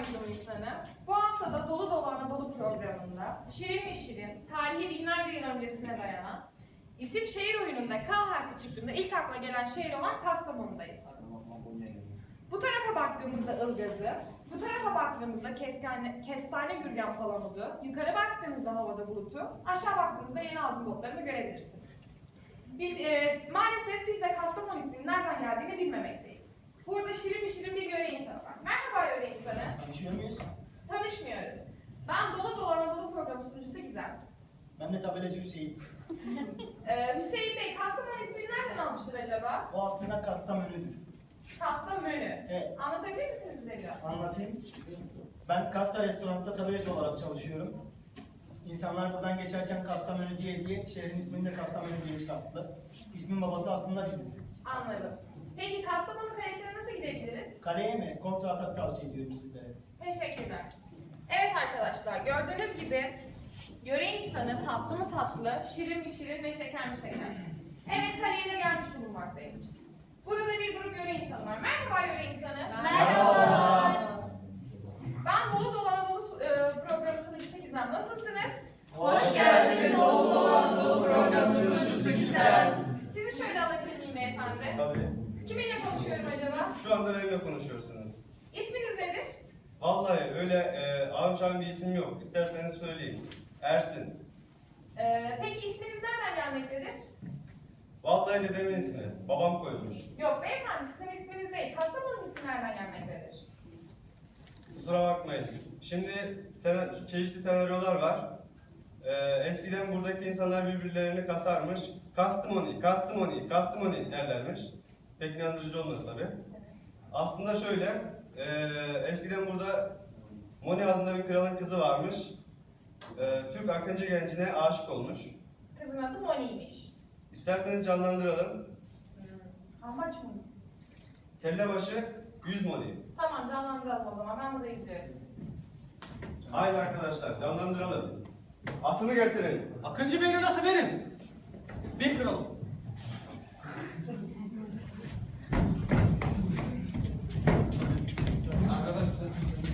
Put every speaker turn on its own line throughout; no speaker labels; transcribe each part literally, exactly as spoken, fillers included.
Anadolu insanı. Bu hafta da Dolu Dolu Anadolu programında şirin mi şirin, tarihi binlerce yıl öncesine dayanan isim şehir oyununda K harfi çıktığında ilk akla gelen şehir olan Kastamonu'dayız. Bu tarafa baktığımızda Ilgaz'ı, bu tarafa baktığımızda kestane, kestane gürgen palamudu, yukarı baktığımızda havada bulutu, aşağı baktığımızda yeni altın botlarını görebilirsiniz. Bil, e, maalesef biz de Kastamonu isminin nereden geldiğini bilmemekteyiz. Burada şirin bir şirin bir yöre insanı var. Merhaba yöre insanı.
Tanışıyor muyuz?
Tanışmıyoruz. Ben Dolu Dolu Anadolu programı sunucusu Gizem.
Ben de tabelacı Hüseyin.
Ee, Hüseyin Bey, Kastamonu ismini nereden almıştır acaba?
O aslında Kastamonu'dur.
Kastamonu.
Evet.
Anlatabilir misiniz bize biraz?
Anlatayım. Ben Kasta restoranda tabelacı olarak çalışıyorum. İnsanlar buradan geçerken Kastamonu diye diye şehrin ismini de Kastamonu diye çıkarttılar. İsmin babası aslında biziz.
Anladım. Peki Kastamonu Kalesi'ne nasıl gidebiliriz?
Kaleye mi? Kontra atak tavsiye ediyorum sizlere.
Teşekkürler. Evet arkadaşlar, gördüğünüz gibi yöre insanı tatlı mı tatlı, şirin mi şirin ve şeker mi şeker. Evet, kaleye de gelmiş bulunmaktayız. Burada da bir grup yöre insanı var. Merhaba yöre insanı.
Merhaba.
Ben Dolu Dolu Anadolu e, programı sunucusu Gizem. Nasılsınız?
Hoş geldiniz Dolu Dolu Anadolu programı sunucusu Gizem.
Sizi şöyle alabilir miyim beyefendi?
Tabii.
Kiminle konuşuyorum acaba?
Şu anda benimle konuşuyorsunuz.
İsminiz nedir?
Vallahi öyle e, ağam bir ismim yok. İsterseniz söyleyeyim. Ersin.
Ee, peki isminiz nereden gelmektedir?
Vallahi dedemin ismi. Babam koymuş.
Yok beyefendi, sizin isminiz değil. Kastamonu ismi nereden gelmektedir?
Kusura bakmayın. Şimdi sen, çeşitli senaryolar var. E, eskiden buradaki insanlar birbirlerini kasarmış. Kastamoni, Kastamoni, Kastamoni derlermiş. Pek inandırıcı olmadı tabii. Aslında şöyle, e, eskiden burada Moni adında bir kralın kızı varmış. E, Türk Akıncı gencine aşık olmuş.
Kızın adı Moni'ymiş.
İsterseniz canlandıralım.
Hmm. Amaç mı?
Kellebaşı yüz Moni.
Tamam, canlandıralım o zaman. Ben burada izliyorum.
Haydi arkadaşlar canlandıralım. Atımı getirin.
Akıncı Bey'in atı benim. Bin kralım. Arkadaşlar.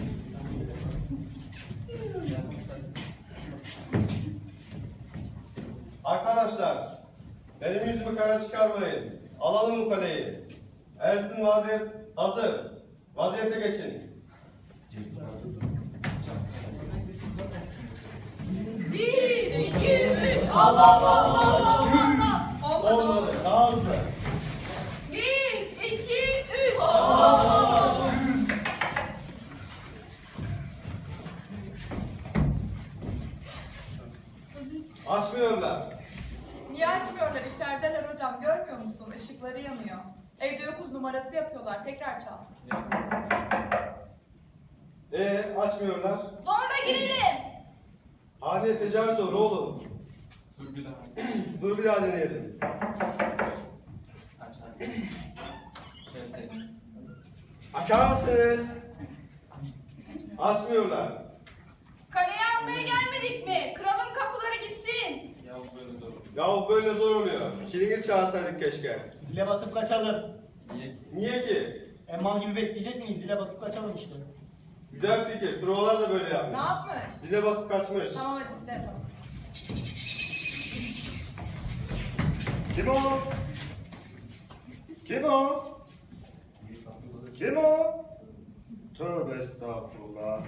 Arkadaşlar, benim yüzümü kara çıkarmayın. Alalım bu kaleyi. Ersin vaziyet hazır. Vaziyete geçin.
Bir, iki, üç. Allah Allah Allah Allah.
Olmadı, daha hızlı.
Bir, iki, üç. Allah Allah.
Açmıyorlar.
Niye açmıyorlar? İçerideler hocam. Görmüyor musun? Işıkları yanıyor. Evde yokuz numarası yapıyorlar. Tekrar çal.
Ee, açmıyorlar.
Zorla girelim.
Hadi tecavüz olur oğlum.
Dur bir daha.
Dur bir daha deneyelim.
Aç aç. Şöyle.
Açar mısınız? Açmıyorlar.
Kaleye almaya gelmedik mi? Kralın kapıları gitsin.
Ya böyle dur.
Ya böyle zor oluyor. Çilingir çağırsaydık keşke.
Zile basıp kaçalım.
Niye?
Niye ki?
E mal gibi bekleyecek miyiz? Zile basıp kaçalım işte.
Güzel fikir. Provalar da böyle
Ne
yapmış.
yapmış?
Zile basıp kaçmış.
Tamam hadi biz de yapalım.
Kim o? Kim o? Kim o? Tövbe estağfurullah.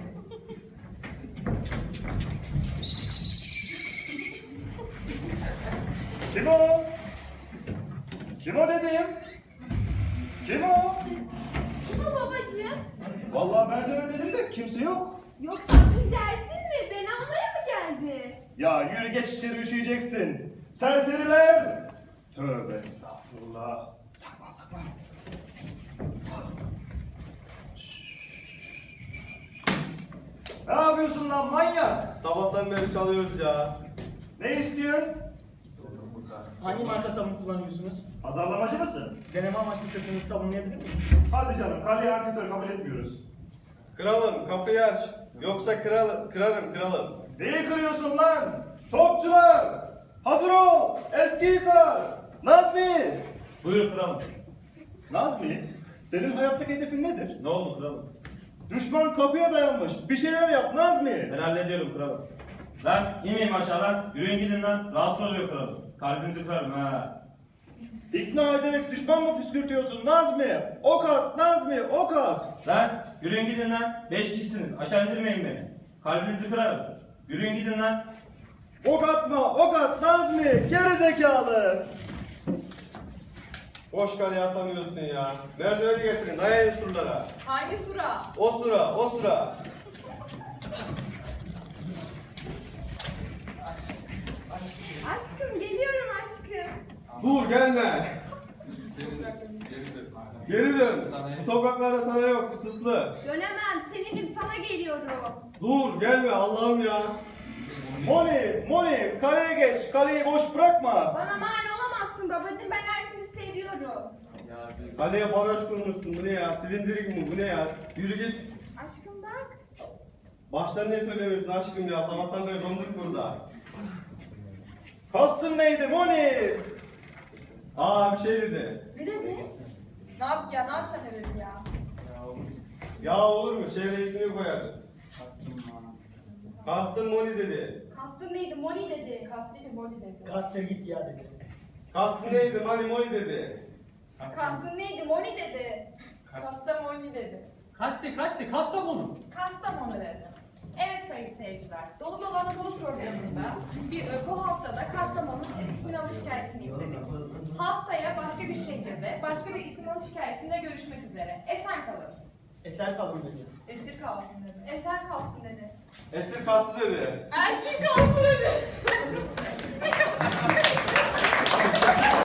Kim o? Kim o dedim? Kim o?
Kim o babacığım?
Vallahi ben de öyle dedim de kimse yok.
Yoksa Akıncı Ersin mi? Beni almaya mı geldi?
Ya yürü geç içeri üşüyeceksin. Serseriler! Tövbe estağfurullah. Saklan saklan. Ne yapıyorsun lan manyak?
Sabahtan beri çalıyoruz ya.
Ne istiyorsun?
Hangi marka sabun kullanıyorsunuz?
Pazarlamacı mısın?
Deneme amaçlı sırtınızı sabunlayabilir miyim?
Hadi canım, kaleye anketör kabul etmiyoruz.
Kralım kapıyı aç. Yoksa kral, kırarım kralım.
Neyi kırıyorsun lan? Topçular! Hazır ol! Eskihisar! Nazmi!
Buyurun kralım.
Nazmi, senin hayattaki hedefin nedir?
Ne oldu kralım?
Düşman kapıya dayanmış. Bir şeyler yap Nazmi.
Ben hallediyorum kralım. Lan inmeyin aşağıdan. Yürüyün gidin lan. Rahatsız oluyor kralım. Kalbinizi kırarım ha.
İkna ederek düşman mı püskürtüyorsun Nazmi? Ok at Nazmi, ok at.
Lan yürüyün gidin lan. Beş kişisiniz. Aşağı indirmeyin beni. Kalbinizi kırarım. Yürüyün gidin lan.
Ok atma, ok at Nazmi. Geri zekalı.
Boş kaleye atamıyorsun ya. Merdiveni getirin, dayayın surlara.
Hangi sura?
O sıra, o sıra.
Aşkım geliyorum aşkım.
Dur gelme.
Geri dön. Geri dön.
Geri dön.
Sana
Bu topraklarda sana yok, kısıtlı.
Dönemem seninim sana geliyorum.
Dur gelme Allah'ım ya.
Moni, Moni, kaleye geç. Kaleyi boş bırakma.
Bana mani olamazsın babacığım ben Ersin'i seviyorum.
Ya bir
Kaleye baraj kurmuşsun, bu ne ya? Silindirik mi, bu ne ya? Yürü git.
Aşkım bak.
Baştan niye söylemiyorsun aşkım ya? Sabahtan beri donduk burada.
Kastın neydi Moni?
Aa bir şey dedi.
Ne dedi? Ne yap ya? Ne yapacaksın ne dedi ya?
ya oğlum.
Ya olur mu? Şehre ismini koyarız.
Kastım bana.
Kastım Moni dedi.
Kastın neydi Moni dedi.
Kastıyla Moni dedi.
Kaster git ya dedi.
Kastım neydi? Mani Moni dedi.
Kastın neydi Moni dedi.
Kasta Moni dedi.
Kasti kasti Kastamonu.
Kastamonu dedi. Evet sayın seyirciler, Dolu Dolu Anadolu programında bir, bu haftada Kastamonu'nun ismin alış hikayesini izledik. Haftaya başka bir şehirde, başka bir isim alış hikayesinde görüşmek üzere. Esen kalın.
Eser kalın dedi.
Esir kalsın dedi.
Eser kalsın dedi.
Esir kastı dedi.
Ersin kalsın dedi.